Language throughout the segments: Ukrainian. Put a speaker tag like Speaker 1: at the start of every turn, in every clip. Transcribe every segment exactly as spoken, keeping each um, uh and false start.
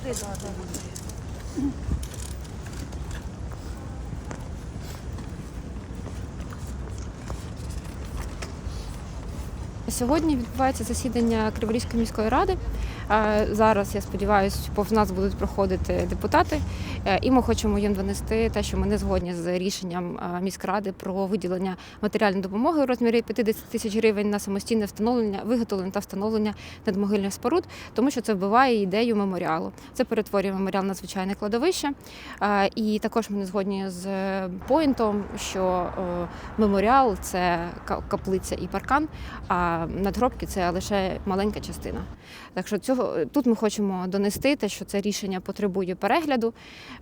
Speaker 1: Сьогодні відбувається засідання Криворізької міської ради. Зараз, я сподіваюся, повз нас будуть проходити депутати. І ми хочемо їм донести те, що ми не згодні з рішенням міськради про виділення матеріальної допомоги у розмірі п'ятдесят тисяч гривень на самостійне встановлення, виготовлення та встановлення надмогильних споруд, тому що це вбиває ідею меморіалу. Це перетворює меморіал на звичайне кладовище. І також ми не згодні з поінтом, що меморіал – це каплиця і паркан, а надгробки – це лише маленька частина. Так що цього, тут ми хочемо донести те, що це рішення потребує перегляду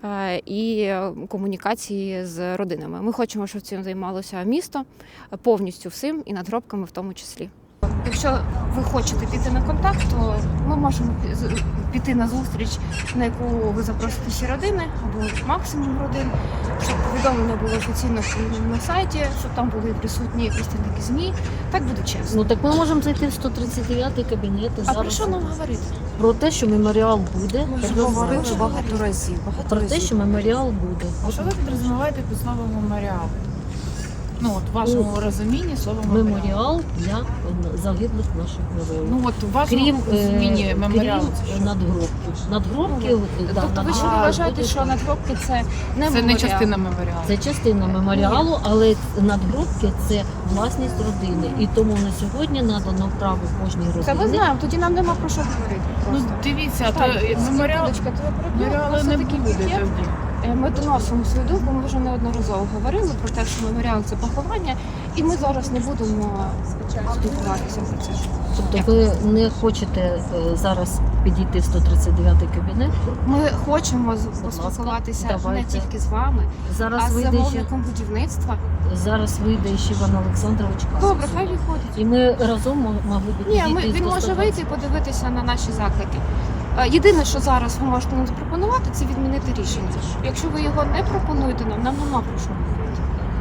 Speaker 1: і комунікації з родинами. Ми хочемо, щоб цим займалося місто повністю всім і надгробками в тому числі. Якщо ви хочете піти на контакт, то ми можемо піти на зустріч, на яку ви запросите всі родини, або максимум родин, щоб повідомлення було офіційно на сайті, щоб там були присутні представники ЗМІ. Так буде чесно.
Speaker 2: Ну так ми можемо зайти в сто тридцять дев'ятий кабінет.
Speaker 1: А про що нам говорити?
Speaker 2: Про те, що меморіал буде.
Speaker 3: Ми вже говорили багато разів. Багато
Speaker 2: Про
Speaker 3: разів.
Speaker 2: те, що меморіал буде.
Speaker 4: А що ви підрозуміваєте під словом меморіал? Ну, от в вашому
Speaker 2: Ну,
Speaker 4: розумінні слово меморіал.
Speaker 2: Меморіал для загиблих наших героїв.
Speaker 4: Ну, от в вашому
Speaker 2: Крім,
Speaker 4: розумінні
Speaker 2: е,
Speaker 4: меморіал.
Speaker 2: крім надгробків. Надгробки, да,
Speaker 1: Тобто ви ще
Speaker 2: надгробки
Speaker 1: вважаєте,
Speaker 2: буде-
Speaker 1: що надгробки – це не
Speaker 4: Це
Speaker 1: меморіал?
Speaker 4: не частина меморіалу.
Speaker 2: Це частина меморіалу, але надгробки – це власність родини. І тому на сьогодні надано право кожній родині.
Speaker 1: Це ми знаємо, тоді нам нема про що говорити.
Speaker 4: Ну,
Speaker 1: Просто.
Speaker 4: дивіться,
Speaker 1: Так,
Speaker 4: то меморіал,
Speaker 1: секундочку, то ви перебили.
Speaker 4: меморіалу
Speaker 1: Просто
Speaker 4: не
Speaker 1: такий
Speaker 4: буде
Speaker 1: пакет.
Speaker 4: тоді.
Speaker 1: Ми доносимо свою думку, ми вже неодноразово говорили про те, що меморіал – це поховання, і ми зараз не будемо спілкуватися про це.
Speaker 2: Тобто ви не хочете е, зараз підійти в сто тридцять дев'ятий кабінет?
Speaker 1: Ми хочемо з-
Speaker 2: ласка,
Speaker 1: поспілкуватися не
Speaker 2: давайте.
Speaker 1: тільки з вами, а
Speaker 2: Зараз
Speaker 1: з
Speaker 2: вийде ще,
Speaker 1: замовником будівництва.
Speaker 2: зараз вийде ще Іван Олександрович Касик.
Speaker 1: Добре, хай виходить.
Speaker 2: І ми разом мо- могли б
Speaker 1: Ні,
Speaker 2: підійти.
Speaker 1: ми,
Speaker 2: і
Speaker 1: він може
Speaker 2: спостерігати.
Speaker 1: вийти і подивитися на наші заклики. Е, Єдине, що зараз ви можете нам запропонувати, це відмінити рішення. Якщо ви його не пропонуєте нам, нам нема про що говорити.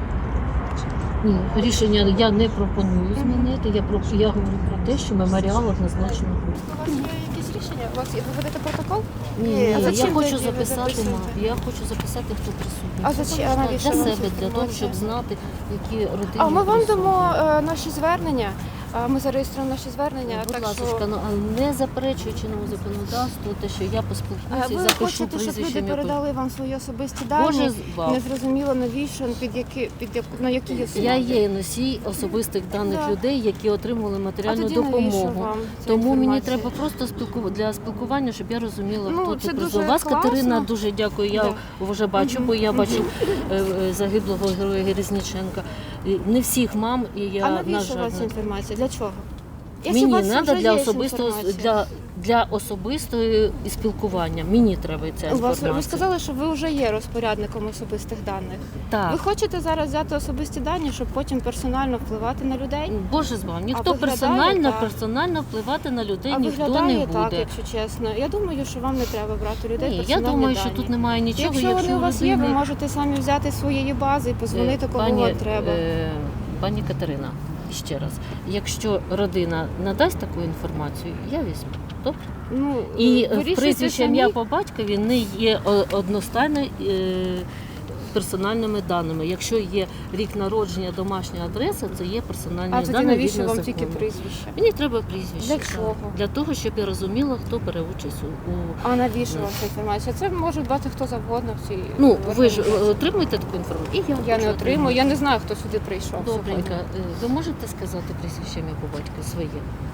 Speaker 2: Ні, рішення я не пропоную змінити. Я про я говорю про те, що меморіал однозначно буде.
Speaker 1: У вас є якісь рішення? У вас є, ви ведете протокол?
Speaker 2: Ні,
Speaker 1: А
Speaker 2: ні, я
Speaker 1: зачем
Speaker 2: хочу
Speaker 1: тоді ви
Speaker 2: записати,
Speaker 1: записуєте?
Speaker 2: ма- я хочу записати, хто присутній.
Speaker 1: А
Speaker 2: Це
Speaker 1: зачем?
Speaker 2: для-
Speaker 1: А навіщо
Speaker 2: для
Speaker 1: вам
Speaker 2: себе,
Speaker 1: ця
Speaker 2: для того,
Speaker 1: інформація?
Speaker 2: щоб знати, які родини.
Speaker 1: А ми вам
Speaker 2: присутні.
Speaker 1: дамо е, наші звернення. Е, Ми зареєструємо наші звернення.
Speaker 2: Будь
Speaker 1: так
Speaker 2: ласка,
Speaker 1: що...
Speaker 2: ну, а не заперечуючи новому законодавству, те, що я
Speaker 1: Е,
Speaker 2: поспілкуюся і
Speaker 1: Ви
Speaker 2: запишу
Speaker 1: хочете, щоб
Speaker 2: прізвище.
Speaker 1: люди
Speaker 2: ім'я,
Speaker 1: передали вам свої особисті
Speaker 2: по-
Speaker 1: дані?
Speaker 2: Боже, з вам.
Speaker 1: Не зрозуміло навіщо, під які, під яку, на які є
Speaker 2: Я є носій особистих даних
Speaker 1: Да.
Speaker 2: людей, які отримали матеріальну
Speaker 1: А тоді навіщо
Speaker 2: допомогу.
Speaker 1: вам ця
Speaker 2: Тому мені
Speaker 1: інформація?
Speaker 2: треба просто спілку... для спілкування, щоб я розуміла,
Speaker 1: Ну,
Speaker 2: хто
Speaker 1: це
Speaker 2: тут
Speaker 1: дуже
Speaker 2: прийшов. Вас,
Speaker 1: класно.
Speaker 2: Катерина, дуже дякую. Я
Speaker 1: Да.
Speaker 2: вже бачу, бо я бачу е, е, загиблого героя Герезніченка. І не всіх мам, і я,
Speaker 1: А
Speaker 2: на
Speaker 1: навіщо
Speaker 2: жаль,
Speaker 1: у вас
Speaker 2: не-
Speaker 1: інформація? Для чого? Якщо у
Speaker 2: Мені
Speaker 1: вас
Speaker 2: треба
Speaker 1: вже
Speaker 2: для
Speaker 1: є
Speaker 2: особистого
Speaker 1: інформація.
Speaker 2: для, для особистої спілкування. Мені треба ця
Speaker 1: У вас,
Speaker 2: інформація.
Speaker 1: ви сказали, що ви вже є розпорядником особистих даних.
Speaker 2: Так.
Speaker 1: Ви хочете зараз взяти особисті дані, щоб потім персонально впливати на людей?
Speaker 2: Боже з вами, ніхто
Speaker 1: виглядає
Speaker 2: персонально,
Speaker 1: так.
Speaker 2: персонально впливати на людей
Speaker 1: А
Speaker 2: ніхто не
Speaker 1: виглядає
Speaker 2: буде.
Speaker 1: так, якщо чесно. Я думаю, що вам не треба брати людей
Speaker 2: Ні, я
Speaker 1: персональні
Speaker 2: думаю,
Speaker 1: дані.
Speaker 2: що тут немає нічого.
Speaker 1: Якщо вони у вас є, ви
Speaker 2: людини-
Speaker 1: можете самі взяти з своєї бази і позвонити,
Speaker 2: Е,
Speaker 1: кому
Speaker 2: пані,
Speaker 1: вам треба.
Speaker 2: е, Пані Катерина, ще раз, якщо родина надасть таку інформацію, я візьму. Добре?
Speaker 1: Ну,
Speaker 2: І
Speaker 1: вирішуйте
Speaker 2: прізвище
Speaker 1: самі.
Speaker 2: ім'я по батькові не є о- одностайно е, персональними даними. Якщо є рік народження, домашня адреса, це є персональні
Speaker 1: А тоді
Speaker 2: дані.
Speaker 1: навіщо
Speaker 2: згідно
Speaker 1: вам
Speaker 2: закону.
Speaker 1: тільки прізвище?
Speaker 2: Мені треба прізвище.
Speaker 1: Для
Speaker 2: так.
Speaker 1: чого?
Speaker 2: Для того, щоб я розуміла, хто бере участь у. у...
Speaker 1: А навіщо вам ця інформація? Це може дбати хто завгодно в цій
Speaker 2: Ну, ви ж
Speaker 1: організації.
Speaker 2: отримуєте таку інформацію? І я,
Speaker 1: Я
Speaker 2: хочу
Speaker 1: не отримую, я
Speaker 2: отримати.
Speaker 1: не знаю, хто сюди прийшов
Speaker 2: Добренько.
Speaker 1: сьогодні.
Speaker 2: Е, Ви можете сказати прізвище ім'я по батькові своє?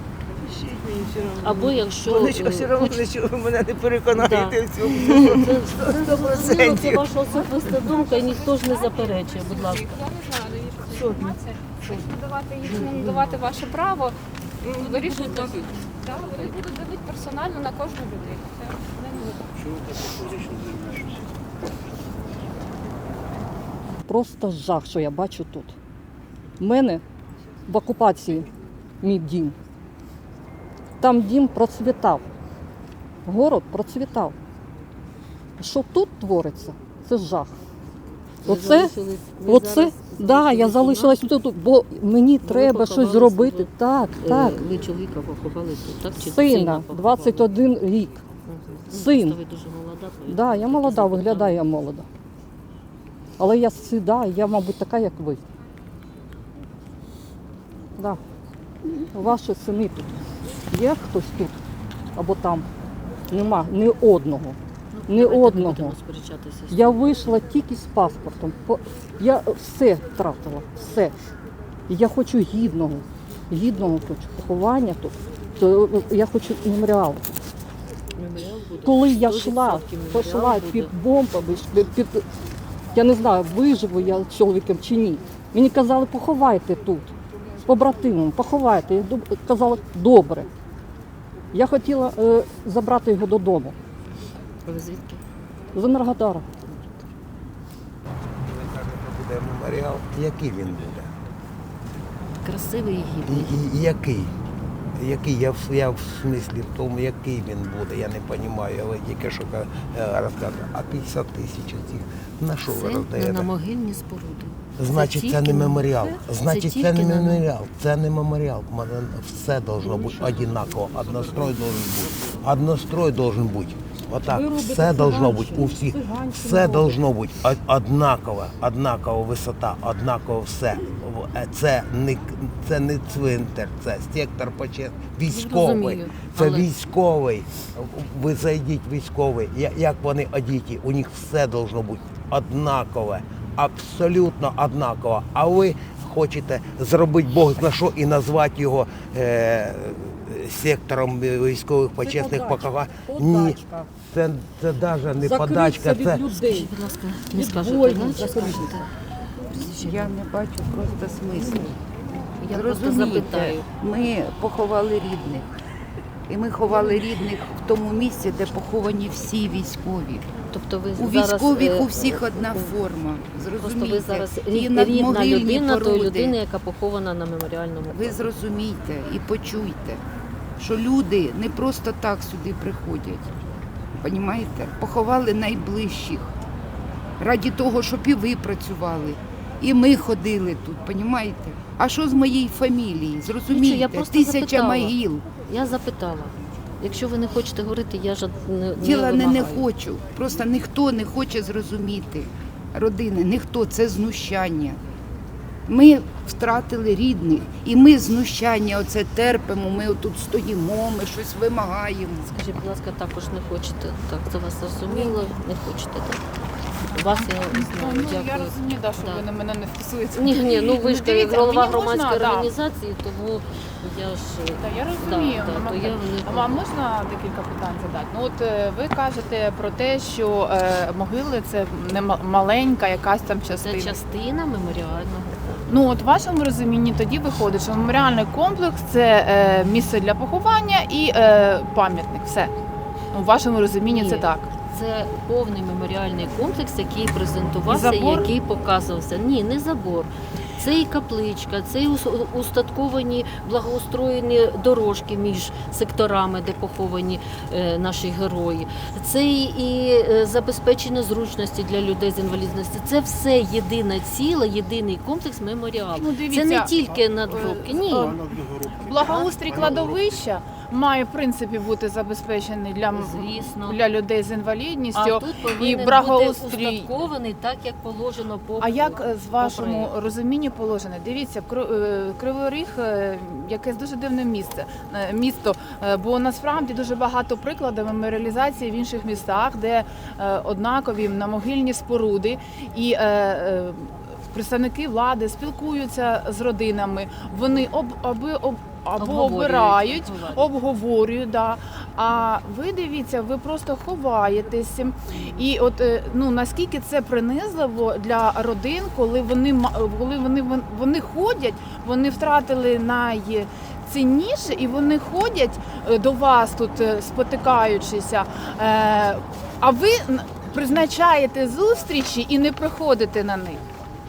Speaker 2: Або якщо
Speaker 3: Вони що,
Speaker 2: е,
Speaker 3: все одно,
Speaker 2: хоч-
Speaker 3: що ви мене не переконаєте
Speaker 2: Да.
Speaker 3: в цьому.
Speaker 2: Це- це
Speaker 3: Сто
Speaker 2: зрозуміло, це
Speaker 3: процентів.
Speaker 2: ваша особиста думка, і ніхто ж не заперечує, будь ласка.
Speaker 1: Я не знаю, навіщо ця інформація. Щоб надавати їх, не надавати ваше право, м, вирішуйте. Так, вони будуть давити персонально на кожну людину. Це не буде.
Speaker 5: Просто жах, що я бачу тут. У мене в окупації мій дім. Там дім процвітав. Город процвітав. Що тут твориться, це жах.
Speaker 2: Ви
Speaker 5: Оце,
Speaker 2: залишились- ви
Speaker 5: оце,
Speaker 2: зараз
Speaker 5: да, я залишилась тут, бо мені треба
Speaker 2: поховали
Speaker 5: щось зробити.
Speaker 2: свого-
Speaker 5: Так,
Speaker 2: Е,
Speaker 5: так.
Speaker 2: Ви чоловіка поховали тут, так? Чи
Speaker 5: Сина,
Speaker 2: поховали?
Speaker 5: двадцять один рік. Син.
Speaker 2: Ну, ви дуже молода.
Speaker 5: Так,
Speaker 2: то
Speaker 5: да, я
Speaker 2: таке
Speaker 5: молода,
Speaker 2: запитання.
Speaker 5: виглядаю я молода. Але я сіда, я, мабуть, така, як ви. Да. Ваші сини тут. Є хтось тут або там? Нема ні одного.
Speaker 2: Ну,
Speaker 5: Ні
Speaker 2: давайте не
Speaker 5: одного.
Speaker 2: будемо сперечатися.
Speaker 5: Я вийшла тільки з паспортом. По- Я все втратила, все. І я хочу гідного, гідного хочу поховання тут. То я хочу меморіал.
Speaker 2: Меморіал буде.
Speaker 5: Коли я
Speaker 2: сто
Speaker 5: йшла,
Speaker 2: відсотків меморіал
Speaker 5: пішла
Speaker 2: буде.
Speaker 5: під бомбами, під, під, я не знаю, виживу я з чоловіком чи ні. Мені казали, поховайте тут, з побратимом, поховайте. Я доб- казала, добре. Я хотіла е, забрати його додому,
Speaker 2: Ви звідки?
Speaker 5: з Енергодара.
Speaker 6: Ви кажете, буде меморіал. Який він буде?
Speaker 2: Красивий і
Speaker 6: І,
Speaker 2: гідний.
Speaker 6: і, і який? Який? Я, в- я в смислі в тому, який він буде, я не розумію, але тільки що е, розказував. А п'ятдесят тисяч цих, на що ви
Speaker 2: Це не
Speaker 6: роздаєте?
Speaker 2: на могильні споруди.
Speaker 6: Значить, це,
Speaker 2: тільки
Speaker 6: не
Speaker 2: на-
Speaker 6: меморіал.
Speaker 2: це
Speaker 6: Значить, це,
Speaker 2: тільки
Speaker 6: не
Speaker 2: на-
Speaker 6: меморіал. Це не меморіал. Мене все должно бути однаково. Однострой должен бути. Однострой должен бути. Отак.
Speaker 5: Ви робите
Speaker 6: Все должно бути у
Speaker 5: циганщину,
Speaker 6: всіх.
Speaker 5: циганщину
Speaker 6: Все
Speaker 5: робите.
Speaker 6: должно бути од- однаково. Однакова висота, однаково все. В- е, Це не, це не цвинтар, це сектор почесний. Військовий.
Speaker 2: Розумію,
Speaker 6: Це
Speaker 2: але-
Speaker 6: військовий. Ви зайдіть військовий. Я- Як вони одіті, у них все должно бути однакове. Абсолютно однаково. А ви хочете зробити Бог на що і назвати його е, сектором військових почесних
Speaker 5: подачка.
Speaker 6: поховань? Ні,
Speaker 5: Подачка.
Speaker 6: це, це навіть не
Speaker 5: Закритися
Speaker 6: подачка,
Speaker 5: від
Speaker 6: це
Speaker 5: людей.
Speaker 2: Скажіть, будь ласка, не
Speaker 5: Від
Speaker 2: скажете,
Speaker 5: воїнів
Speaker 2: да, чи
Speaker 5: закритися.
Speaker 2: скажете?
Speaker 3: Я не бачу просто смислу.
Speaker 2: Я просто
Speaker 3: Зрозумійте,
Speaker 2: запитаю.
Speaker 3: ми поховали рідних. І ми ховали рідних в тому місці, де поховані всі військові.
Speaker 2: Тобто ви
Speaker 3: У
Speaker 2: зараз,
Speaker 3: військових
Speaker 2: е,
Speaker 3: у всіх одна форма.
Speaker 2: Просто
Speaker 3: Зрозумійте.
Speaker 2: ви зараз
Speaker 3: І
Speaker 2: рід- рідна
Speaker 3: надмогильні
Speaker 2: людина тої
Speaker 3: породи.
Speaker 2: людини, яка похована на меморіальному.
Speaker 3: Ви зрозумійте і почуйте, що люди не просто так сюди приходять. Понімаєте? Поховали найближчих. Раді того, щоб і ви працювали. І ми ходили тут, понімаєте? А що з моєї фамілії?
Speaker 2: Нічого, я
Speaker 3: Зрозумійте,
Speaker 2: просто
Speaker 3: тисяча
Speaker 2: запитала.
Speaker 3: могил.
Speaker 2: Я запитала. Якщо ви не хочете говорити, я ж не, не
Speaker 3: Діла не, не
Speaker 2: вимагаю.
Speaker 3: хочу. Просто ніхто не хоче зрозуміти. Родини, ніхто, це знущання. Ми втратили рідних, і ми знущання оце терпимо, ми отут стоїмо, ми щось вимагаємо.
Speaker 2: Скажіть, будь ласка, також не хочете. Так, це вас зрозуміло, не хочете, так? Вас я знаю,
Speaker 4: Ну, я
Speaker 2: дякую.
Speaker 4: розумію, да, що
Speaker 2: Да.
Speaker 4: ви на мене не вписуєте.
Speaker 2: Ні, ні, ну ви ж
Speaker 4: Дивіться,
Speaker 2: голова
Speaker 4: мені
Speaker 2: громадської
Speaker 4: можна, да.
Speaker 2: організації, тому я ж
Speaker 4: Та я розумію.
Speaker 2: Да, да,
Speaker 4: Мама,
Speaker 2: то я не-
Speaker 4: А вам можна декілька питань задати? Ну от е, ви кажете про те, що е, могили це не ма- маленька якась там
Speaker 2: це
Speaker 4: частина.
Speaker 2: частина меморіального.
Speaker 4: Ну от в вашому розумінні тоді виходить, що меморіальний комплекс це е, місце для поховання і е, пам'ятник. Все. Ну, в вашому розумінні
Speaker 2: Ні.
Speaker 4: це так.
Speaker 2: Це повний меморіальний комплекс, який презентувався,
Speaker 4: І забор?
Speaker 2: який показувався. Ні, не забор. Це і капличка, це і ус- устатковані благоустроєні дорожки між секторами, де поховані е, наші герої. Це і, і е, забезпечення зручності для людей з інвалідністю. Це все єдине ціле, єдиний комплекс меморіалу.
Speaker 4: Ну, дивіться,
Speaker 2: Це не тільки надгробки. Ні.
Speaker 4: е, Благоустрій кладовища має в принципі бути забезпечений для, м-
Speaker 2: Звісно.
Speaker 4: для людей з
Speaker 2: А
Speaker 4: інвалідністю.
Speaker 2: тут повинен
Speaker 4: благоустрій.
Speaker 2: бути устаткований так, як положено по
Speaker 4: А як е, з
Speaker 2: по
Speaker 4: вашому
Speaker 2: проекту.
Speaker 4: розумінні положено? Дивіться, Кро- е, Кривий Ріг е, якесь дуже дивне місце, е, місто, е, бо насправді дуже багато прикладів меморіалізації в інших містах, де е, однакові намогильні споруди і е, е, представники влади спілкуються з родинами, вони об, аби об або
Speaker 2: Обговорюють,
Speaker 4: обирають,
Speaker 2: обговорюють.
Speaker 4: обговорюють, да. А ви дивіться, ви просто ховаєтесь. І от е, ну наскільки це принизливо для родин, коли вони ма- коли вони вон- вони ходять, вони втратили найцінніше, і вони ходять е, до вас тут, е, спотикаючися. Е, А ви н- призначаєте зустрічі і не приходите на них.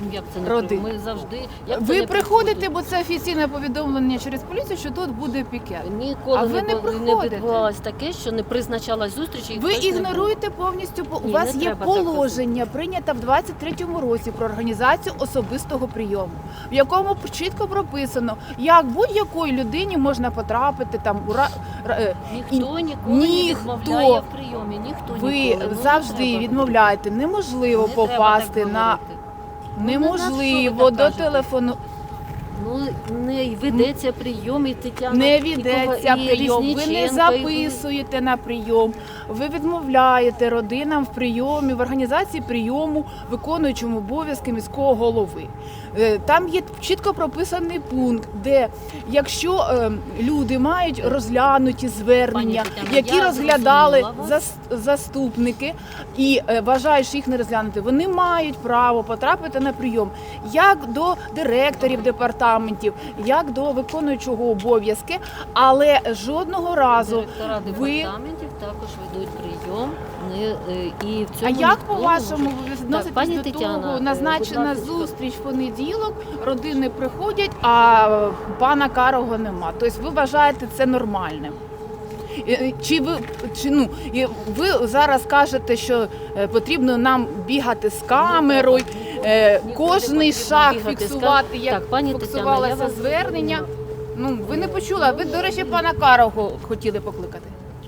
Speaker 2: Ну, як це не
Speaker 4: Родин.
Speaker 2: Ми завжди... Як це
Speaker 4: Ви
Speaker 2: не
Speaker 4: приходите, бо це офіційне повідомлення через поліцію, що тут буде пікет.
Speaker 2: Ніколи
Speaker 4: А ви
Speaker 2: не,
Speaker 4: не
Speaker 2: бу- не
Speaker 4: приходите.
Speaker 2: відбувалось таке, що не призначалась зустріч. І
Speaker 4: Ви
Speaker 2: хтось не був.
Speaker 4: ігноруєте повністю, по- у
Speaker 2: Ні,
Speaker 4: вас
Speaker 2: не
Speaker 4: є
Speaker 2: треба так
Speaker 4: положення, прийнято в двадцять третьому році про організацію особистого прийому, в якому чітко прописано, як будь-якої людині можна потрапити там у ра- ра- е,
Speaker 2: Ніхто
Speaker 4: і-
Speaker 2: ніколи не
Speaker 4: ніхто.
Speaker 2: відмовляє в прийомі. Ніхто
Speaker 4: ви
Speaker 2: ніколи. Ну, не
Speaker 4: завжди
Speaker 2: треба.
Speaker 4: відмовляєте. Неможливо
Speaker 2: Не треба
Speaker 4: попасти
Speaker 2: так
Speaker 4: на
Speaker 2: говорити. Ну,
Speaker 4: неможливо
Speaker 2: на що ви
Speaker 4: до
Speaker 2: так кажете?
Speaker 4: телефону.
Speaker 2: Ну, не ведеться прийом, і Тетяна...
Speaker 4: Не
Speaker 2: і
Speaker 4: ведеться
Speaker 2: Кова- і
Speaker 4: прийом, ви не
Speaker 2: Різниченко, і ви-
Speaker 4: записуєте на прийом, ви відмовляєте родинам в прийомі, в організації прийому, виконуючому обов'язки міського голови. Е, Там є чітко прописаний пункт, де якщо е, люди мають розглянуті звернення,
Speaker 2: Пані Тетяно,
Speaker 4: які
Speaker 2: я
Speaker 4: розглядали
Speaker 2: зрозуміла вас.
Speaker 4: зас- заступники і е, вважають, що їх не розглянути, вони мають право потрапити на прийом як до директорів департаментів, як до виконуючого обов'язки, але жодного разу
Speaker 2: Директора
Speaker 4: ви.
Speaker 2: департаментів також ведуть прийом. Не, е, і в
Speaker 4: А
Speaker 2: цьому
Speaker 4: як
Speaker 2: ніхто
Speaker 4: по-вашому
Speaker 2: не
Speaker 4: ви
Speaker 2: може-
Speaker 4: відноситесь
Speaker 2: Так, пані
Speaker 4: до
Speaker 2: Тетяна,
Speaker 4: того?
Speaker 2: е,
Speaker 4: Назначена
Speaker 2: будь ласка,
Speaker 4: зустріч в понеділок, родини приходять, а е, пана Карого нема. Тобто ви вважаєте це нормальним? Е, е, Чи ви чи ну і ви зараз кажете, що е, потрібно нам бігати з камерою, е,
Speaker 2: Нікуди
Speaker 4: кожний
Speaker 2: потрібно
Speaker 4: шаг
Speaker 2: бігати з
Speaker 4: фіксувати,
Speaker 2: кам-
Speaker 4: як
Speaker 2: Так, пані Тетяно,
Speaker 4: фіксувалося
Speaker 2: я вас
Speaker 4: звернення?
Speaker 2: зрозуміла.
Speaker 4: Ну ви не почули. А ви, до речі, пана Карого хотіли покликати.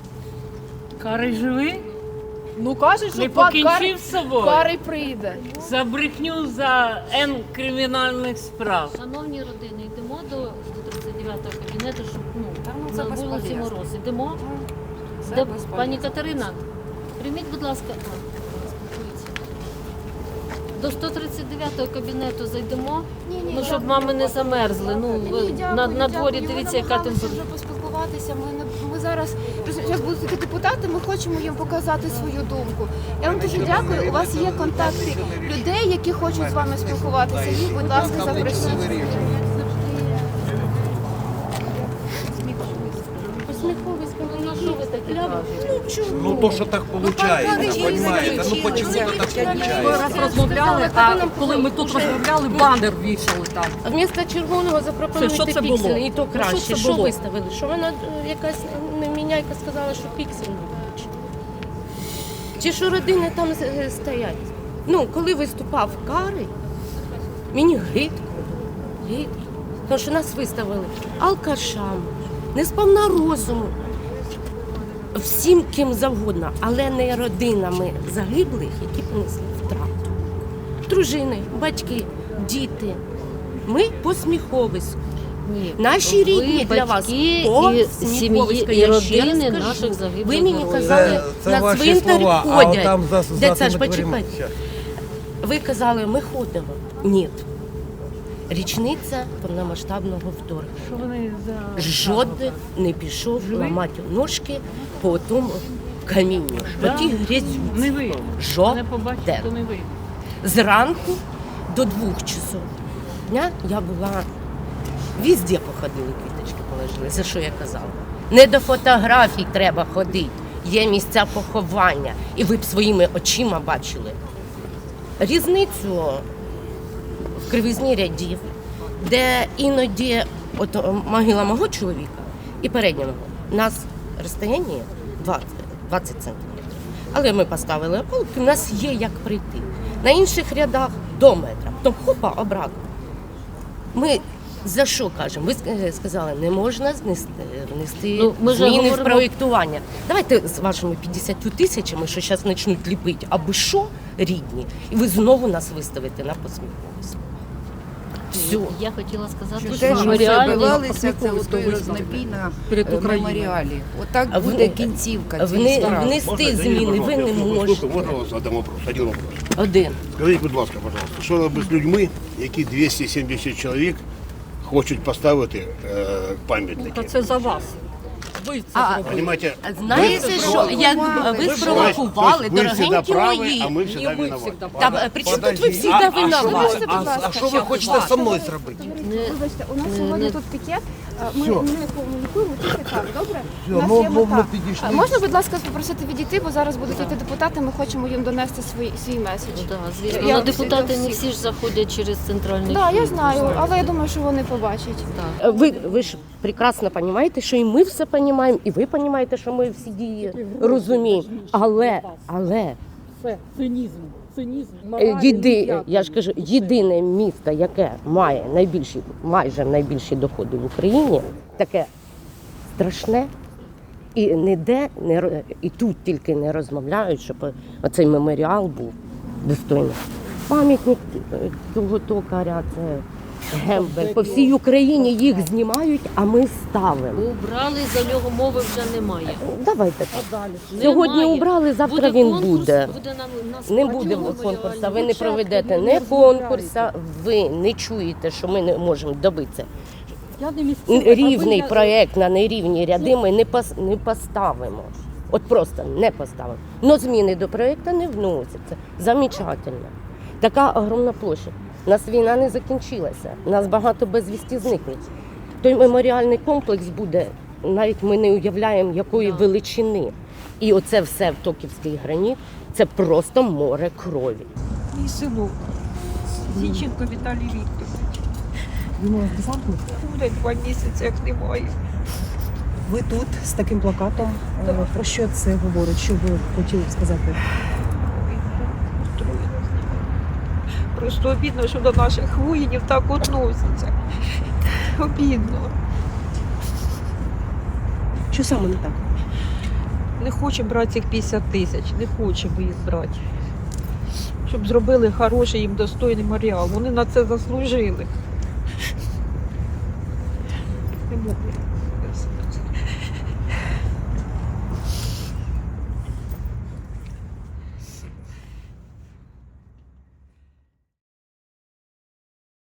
Speaker 7: Карий живий?
Speaker 4: Ну кажуть, що
Speaker 7: Не
Speaker 4: пан Кар...
Speaker 7: покінчив з собою?
Speaker 4: Карий прийде.
Speaker 7: За брехню за Н кримінальних справ.
Speaker 2: Шановні родини, йдемо до сто тридцять дев'ятого кабінету, щоб ну,
Speaker 1: це
Speaker 2: на вулиці
Speaker 1: безполезно.
Speaker 2: Мороз. Йдемо.
Speaker 1: Це
Speaker 2: Де,
Speaker 1: безполезно.
Speaker 2: пані Катерина, прийміть, будь ласка, а, спілкується. До сто тридцять дев'ятого кабінету зайдемо, ну, щоб мами не замерзли. Ну, ви- на, на дворі дивіться, яка температура.
Speaker 1: вже поспілкуватися. Ми, не, ми зараз, зараз будуть такі депутати, ми хочемо їм показати свою думку. Я вам дуже дякую. У вас є контакти людей, які хочуть з вами спілкуватися. Їх, будь ласка, запросіть.
Speaker 2: Ну, на що ви таке кажете?
Speaker 6: Ну то, що так виходить, розумієте? Ну почему так
Speaker 5: Ми
Speaker 6: виходить?
Speaker 5: раз розмовляли, а коли ми тут розмовляли, банер вішали там.
Speaker 8: Вмісто червоного
Speaker 5: Це, що
Speaker 8: запропонуйте
Speaker 5: це було?
Speaker 8: піксель, і то
Speaker 5: Ну, що
Speaker 8: краще.
Speaker 5: це
Speaker 8: Що
Speaker 5: було?
Speaker 8: виставили? Що вона е, якась неміняйка сказала, що піксель не бачить? Чи що родини там е, стоять? Ну, коли виступав Карий, мені гидко, гидко. Тому що нас виставили алкашами, несповна розуму, всім ким завгодно, але не родинами загиблих, які понесли втрату. Дружини, батьки, діти. Ми посміховисько.
Speaker 2: Ні.
Speaker 8: Наші
Speaker 2: Ви
Speaker 8: рідні для вас
Speaker 2: батьки і
Speaker 8: посміховисько.
Speaker 2: сім'ї, і
Speaker 8: Я ще раз
Speaker 2: родини
Speaker 8: кажу.
Speaker 2: наших загиблих
Speaker 8: Ви мені
Speaker 2: героїв.
Speaker 8: казали,
Speaker 6: Це, це
Speaker 8: на
Speaker 6: ваші
Speaker 8: цвинтар
Speaker 6: слова, а
Speaker 8: ходять.
Speaker 6: там за, за
Speaker 8: Де це ж
Speaker 6: тими дверима.
Speaker 8: почекайте?
Speaker 6: Щас.
Speaker 8: Ви казали, ми ходимо. Ні. Річниця повномасштабного вторгнення.
Speaker 7: Що вони за...
Speaker 8: Жоден не пішов
Speaker 7: Живий?
Speaker 8: ламати ножки по тому камінню, по
Speaker 7: Да.
Speaker 8: тій
Speaker 7: Не
Speaker 8: грязюці.
Speaker 7: ви. Мене
Speaker 8: Жоден.
Speaker 7: побачите, то не ви.
Speaker 8: Зранку до двох часов дня я була везде походили, квіточки положили. За що я казала? Не до фотографій треба ходити. Є місця поховання. І ви б своїми очима бачили різницю в кривизні рядів, де іноді от о, могила мого чоловіка і передня мого. У нас розстояння двадцять, двадцять сантиметрів. Але ми поставили полки, у нас є як прийти. На інших рядах до метра. Тобто хопа, обратно. Ми за що кажемо? Ви ск- сказали, не можна знести, внести
Speaker 2: Ну, ми ж
Speaker 8: зміни
Speaker 2: говоримо-
Speaker 8: в проєктування. Давайте з вашими п'ятдесят тисячами, що зараз почнуть ліпити, аби що, рідні, і ви знову нас виставите на посміховість. Все.
Speaker 2: Я хотіла сказати,
Speaker 3: Те,
Speaker 2: що
Speaker 3: що
Speaker 2: меморіальний
Speaker 3: забивалися, це
Speaker 5: посміховисько
Speaker 3: отой
Speaker 5: визнали
Speaker 3: рознобій на
Speaker 5: перед
Speaker 3: е,
Speaker 5: Україною.
Speaker 3: меморіалі. Отак
Speaker 8: А
Speaker 3: буде
Speaker 8: вони-
Speaker 3: кінцівка
Speaker 8: Вни,
Speaker 3: цієї справи.
Speaker 8: внести зміни ви не можете.
Speaker 9: Можна вас задам вопрос? Один вопрос.
Speaker 8: Один.
Speaker 9: Скажіть, будь ласка, пожалуйста, що робити з людьми, які двісті сімдесят чоловік хочуть поставити е, пам'ятники?
Speaker 5: Та це за вас. Ви це
Speaker 8: А,
Speaker 5: зробили.
Speaker 9: Понимаете,
Speaker 8: Знаєте,
Speaker 9: ви
Speaker 8: що як ви
Speaker 9: ви
Speaker 8: спровокували,
Speaker 9: ви всегда
Speaker 8: дорогенькі
Speaker 9: праві,
Speaker 8: мої.
Speaker 9: а ми
Speaker 5: Не
Speaker 9: всегда
Speaker 5: ви
Speaker 9: виноваты.
Speaker 5: завжди.
Speaker 8: Та е, при чому тут ви
Speaker 6: Подожди,
Speaker 8: всі
Speaker 6: а-
Speaker 8: да
Speaker 6: а що ви-
Speaker 8: винуваті?
Speaker 6: а- А що ви хочете зі мною зробити?
Speaker 1: Вибачте, у нас сьогодні тут пікет. Ми,
Speaker 6: Все.
Speaker 1: ми не комунікуємо, тільки так, добре?
Speaker 6: Все,
Speaker 1: У нас
Speaker 6: ну,
Speaker 1: є
Speaker 6: ну,
Speaker 1: мета.
Speaker 6: ми підійшли.
Speaker 1: А можна, будь ласка, попросити відійти, бо зараз будуть йти депутати, ми хочемо їм донести свій, свій меседж.
Speaker 2: Да, звісно,
Speaker 1: Я
Speaker 2: але
Speaker 1: всі-
Speaker 2: депутати
Speaker 1: до
Speaker 2: не
Speaker 1: всіх.
Speaker 2: всі ж заходять через центральний
Speaker 1: Так, да, я
Speaker 2: вхід,
Speaker 1: знаю,
Speaker 2: ви
Speaker 1: але я
Speaker 2: знаєте.
Speaker 1: думаю, що вони побачать.
Speaker 2: Так.
Speaker 8: Ви, ви ж прекрасно розумієте, що і ми все розуміємо, і ви розумієте, що ми всі дії розуміємо. Але, але
Speaker 5: Це цинізм, цинізм.
Speaker 8: е,
Speaker 5: моралі
Speaker 8: єди,
Speaker 5: ніякої.
Speaker 8: я ж кажу, єдине місто, яке має найбільші, майже найбільші доходи в Україні, таке страшне. І ніде не ро- і тут тільки не розмовляють, щоб оцей меморіал був достойний. Пам'ятник е, того токаря, це гембель. По всій Україні їх знімають, а ми ставимо.
Speaker 2: Убрали, за нього мови вже немає.
Speaker 8: Давайте.
Speaker 5: А далі?
Speaker 8: Сьогодні
Speaker 2: Немає.
Speaker 8: убрали, завтра
Speaker 2: Буде
Speaker 8: він
Speaker 2: конкурс,
Speaker 8: буде.
Speaker 2: буде на, на
Speaker 8: Не
Speaker 2: складі
Speaker 8: буде
Speaker 2: меморіальний.
Speaker 8: конкурсу, ви не
Speaker 5: Дівчатка,
Speaker 8: проведете
Speaker 5: ви
Speaker 8: не
Speaker 5: не
Speaker 8: конкурсу, ви не чуєте, що ми не можемо добитися.
Speaker 5: Я не місцева, а ви
Speaker 8: Рівний
Speaker 5: я-
Speaker 8: проєкт на нерівні ряди ми не, пос, не поставимо. От просто не поставимо. Но зміни до проєкту не вносяться. Замечательно. Така огромна площа. У нас війна не закінчилася. У нас багато безвісті зниклих. Той меморіальний комплекс буде, навіть ми не уявляємо, якої
Speaker 2: Да.
Speaker 8: величини. І оце все в Токівський граніт, це просто море крові.
Speaker 10: Мій синок, Зінченко Віталій Вікторович. Буде два місяці, як немає.
Speaker 11: Ви тут з таким плакатом. Е, Про що це говорить? Що ви хотіли б сказати?
Speaker 10: Просто обідно, що до наших воїнів так відносяться. Обідно.
Speaker 11: Що саме не так?
Speaker 10: Не хочемо брати цих п'ятдесят тисяч, не хочемо їх брати. Щоб зробили хороший їм достойний меморіал. Вони на це заслужили.